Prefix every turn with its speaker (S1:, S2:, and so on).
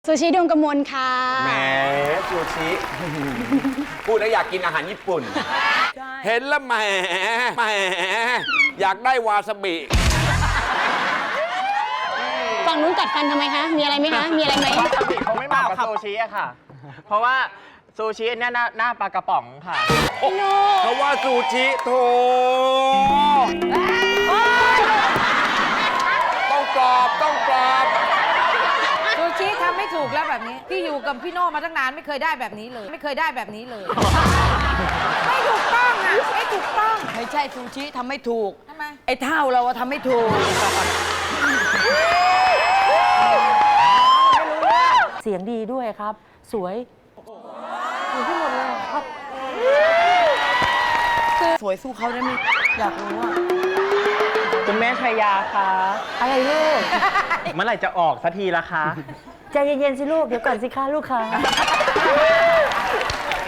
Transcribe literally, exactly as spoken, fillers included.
S1: ซูชิดวงกมลค่ะ
S2: แหมซูชิพูดแล้วอยากกินอาหารญี่ปุ่น เห็นแล้วแหมแหมอยากได้วาซาบิ
S1: ฝั่งนู้นกัดฟันทำไมคะ มีอะไรไหมคะ มีอะไรไหม
S3: วาซาบิเขาไม่เหมาะกับซูชิอะค่ะ เพราะว่าซูชิเนี่ยหน้าหน้าปลากระป๋องค่ะ
S2: เพราะว่าซูชิโถต้องกรอบต้องกรอบ
S4: ซูชิทำไม่ถูกแล้วแบบนี้พี่อยู่กับพี่โน่มาตั้งนานไม่เคยได้แบบนี้เลย ไม่เคยได้แบบนี้เลย ไม่ถูกต้องอ่ะไม่ถูกต้อง
S5: ไม่ใช่ซูชิทำไม่ถูก
S4: ทำไม
S5: ไอ้เท่าเราอะทำไม่ถูก เสียงดีด้วยครับ สวยสวยที่หมดเลยครับ สวยสู้เขาได้ไหมอยากรู้อะ
S3: คุณแม่ชัยยาคะ
S5: อะไรลูก
S3: เมื่อไหร่จะออกสักทีละคะ
S5: ใจเย็นๆสิลูก เดี๋ยวก่อนสิคะลูกค้า